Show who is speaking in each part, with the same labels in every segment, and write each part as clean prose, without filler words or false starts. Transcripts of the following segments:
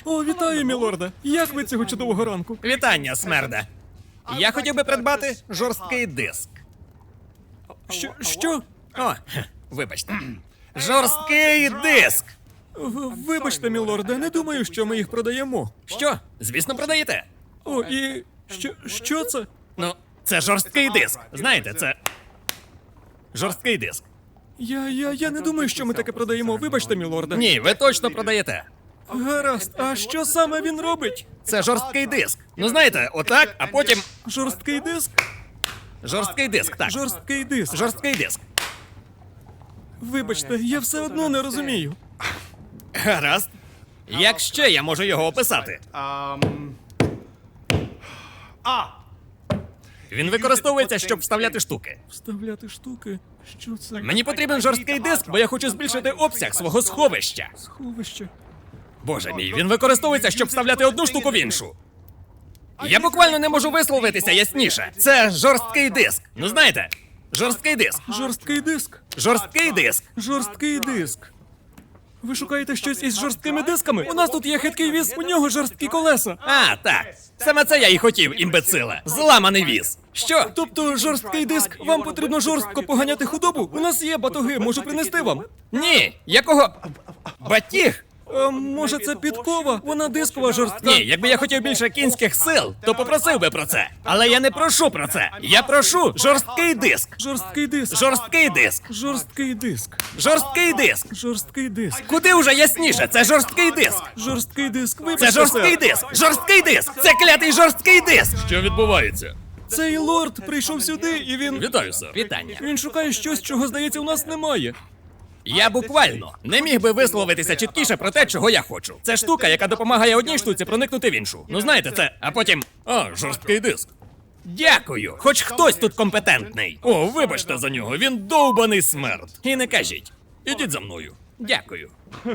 Speaker 1: О, вітаю, мілорде. Як ви цього чудового ранку?
Speaker 2: Вітання, смерде. Я хотів би придбати жорсткий диск.
Speaker 1: Що?
Speaker 2: О, вибачте. Жорсткий диск!
Speaker 1: Вибачте, мілорде, не думаю, що ми їх продаємо.
Speaker 2: Що? Звісно, продаєте.
Speaker 1: О, і що це?
Speaker 2: Ну, це жорсткий диск. Знаєте, це. Жорсткий диск.
Speaker 1: Я не думаю, що ми таке продаємо. Вибачте, мілорде.
Speaker 2: Ні, ви точно продаєте.
Speaker 1: Гаразд, а що саме він робить?
Speaker 2: Це жорсткий диск. Ну знаєте, отак, а потім.
Speaker 1: Жорсткий диск?
Speaker 2: Жорсткий диск, так.
Speaker 1: Жорсткий диск.
Speaker 2: Жорсткий диск.
Speaker 1: Вибачте, я все одно не розумію.
Speaker 2: Гаразд. Як ще я можу його описати? Він використовується, щоб вставляти штуки.
Speaker 1: Вставляти штуки? Що це?
Speaker 2: Мені потрібен жорсткий диск, бо я хочу збільшити обсяг свого сховища.
Speaker 1: Сховище.
Speaker 2: Боже мій, він використовується, щоб вставляти одну штуку в іншу. Я буквально не можу висловитися ясніше. Це жорсткий диск. Ну знаєте, жорсткий диск.
Speaker 1: Жорсткий диск.
Speaker 2: Жорсткий диск.
Speaker 1: Жорсткий диск. Ви шукаєте щось із жорсткими дисками? У нас тут є хиткий віз, у нього жорсткі колеса.
Speaker 2: А, так. Саме це я і хотів, імбециле. Зламаний віз. Що?
Speaker 1: Тобто жорсткий диск, вам потрібно жорстко поганяти худобу? У нас є батоги, можу принести вам.
Speaker 2: Ні. Якого? Батіг?
Speaker 1: Може це підкова? Вона дискова жорстка.
Speaker 2: Ні, якби я хотів більше кінських сил, то попросив би про це. Але я не прошу про це. Я прошу жорсткий диск.
Speaker 1: Жорсткий диск.
Speaker 2: Жорсткий диск.
Speaker 1: Жорсткий диск.
Speaker 2: Жорсткий диск.
Speaker 1: Жорсткий диск.
Speaker 2: Куди уже ясніше? Це жорсткий диск.
Speaker 1: Жорсткий диск. Вибачте,
Speaker 2: Це жорсткий
Speaker 1: сер.
Speaker 2: диск. Жорсткий диск. Це клятий жорсткий диск.
Speaker 3: Що відбувається?
Speaker 1: Цей лорд прийшов сюди і він.
Speaker 3: Вітаю, сер.
Speaker 2: Вітання.
Speaker 1: Він шукає щось, чого, здається, у нас немає.
Speaker 2: Я буквально не міг би висловитися чіткіше про те, чого я хочу. Це штука, яка допомагає одній штуці проникнути в іншу. Ну знаєте це, а потім.
Speaker 3: А, жорсткий диск.
Speaker 2: Дякую, хоч хтось тут компетентний.
Speaker 3: О, вибачте за нього, він довбаний смерть.
Speaker 2: І не кажіть.
Speaker 3: Ідіть за мною.
Speaker 2: Дякую.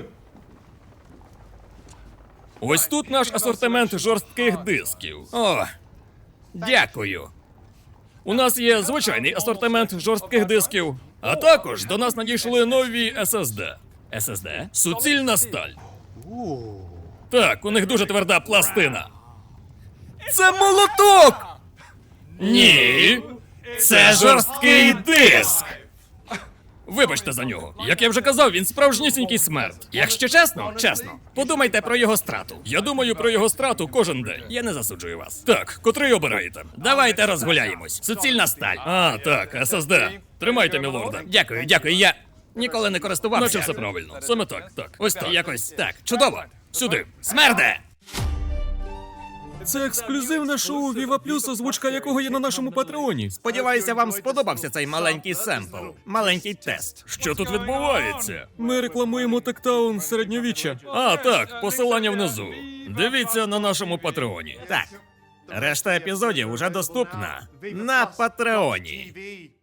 Speaker 3: Ось тут наш асортимент жорстких дисків.
Speaker 2: О, дякую.
Speaker 3: У нас є звичайний асортимент жорстких дисків, а також до нас надійшли нові SSD.
Speaker 2: SSD?
Speaker 3: Суцільна сталь. Так, у них дуже тверда пластина.
Speaker 2: Це молоток!
Speaker 3: Ні,
Speaker 2: Це жорсткий диск!
Speaker 3: Вибачте за нього. Як я вже казав, він справжнісінький смерть.
Speaker 2: Якщо чесно, подумайте про його страту.
Speaker 3: Я думаю про його страту кожен день.
Speaker 2: Я не засуджую вас.
Speaker 3: Так, котрий обираєте?
Speaker 2: Давайте розгуляємось. Суцільна сталь.
Speaker 3: А, так, SSD. Тримайте, мілорда.
Speaker 2: Дякую, я ніколи не користувався.
Speaker 3: Наче все правильно. Саме так, так.
Speaker 2: Ось так. Якось так. Чудово.
Speaker 3: Сюди.
Speaker 2: Смерде!
Speaker 1: Це ексклюзивне шоу Viva Plus, озвучка якого є на нашому патреоні.
Speaker 2: Сподіваюся, вам сподобався цей маленький семпл. Маленький тест.
Speaker 3: Що тут відбувається?
Speaker 1: Ми рекламуємо Тектаун середньовіччя.
Speaker 3: А, так, посилання внизу. Дивіться на нашому патреоні.
Speaker 2: Так. Решта епізодів уже доступна на Патреоні.